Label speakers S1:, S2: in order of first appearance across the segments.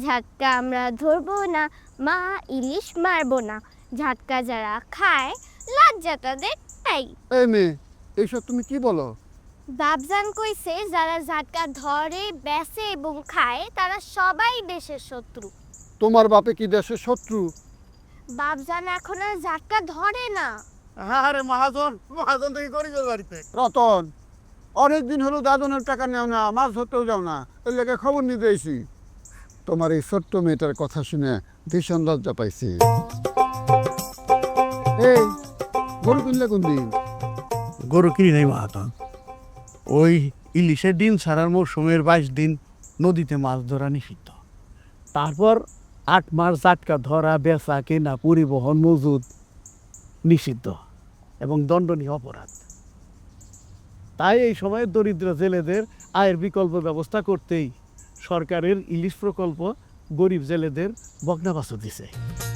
S1: ঝাটকা আমরা ধরবো না, মা ইলিশ মারবো না। ঝাটকা যারা খায় লজ্জা তাদের নাই।
S2: এই মেয়ে, এইসব তুমি কি বলো?
S1: বাবজান কইছে যারা ঝাটকা ধরে, বেচে এবং খায় তারা সবাই দেশের শত্রু।
S2: তোমার বাপে কি দেশের শত্রু?
S1: বাবজান এখন আর ঝাটকা ধরে না।
S3: আরে মহাজন, মহাজন থেকে করি বাড়িতে।
S2: রতন, অনেকদিন হলো দাদনের টাকা নেও না, মাছ ধরতেও যাও না, এর লেগে খবর নিতে এসি। তোমার এই ছোট্ট মেয়েটার কথা শুনে ভীষণ লজ্জা পাইছি। এই গরু কিনলে কোন দিন?
S3: গরু কিনি নাই মহাজন, ওই ইলিশের দিন ছাড়ার মৌসুমের 22 দিন নদীতে মাছ ধরা নিষিদ্ধ। তারপর 8 মাস জাটকা ধরা, বেচা, কেনা, পরিবহন, মজুদ নিষিদ্ধ এবং দণ্ডনীয় অপরাধ। তাই এই সময় দরিদ্র জেলেদের আয়ের বিকল্প ব্যবস্থা করতেই সরকারের ইলিশ প্রকল্প গরিব জেলেদের বকনাবাসু দিছে।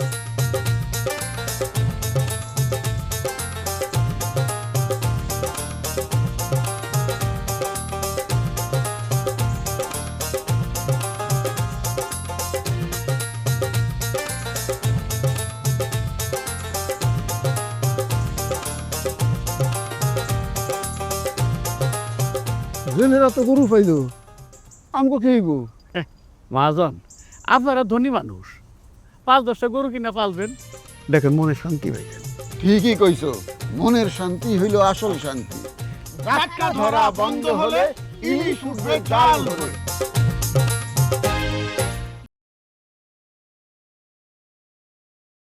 S2: জেলেরা তো গরু পাইল, আমগো খেইব।
S3: মহাজন, আপনারা ধনী মানুষ, 5-10টা গরু কিনা পালবেন, দেখেন মনে শান্তি পাইবেন।
S2: ঠিকই কইছো, মনের শান্তি হইল আসল শান্তি।
S3: জাটকা ধরা বন্ধ হলে ইলিশ উঠবে জাল ধরে।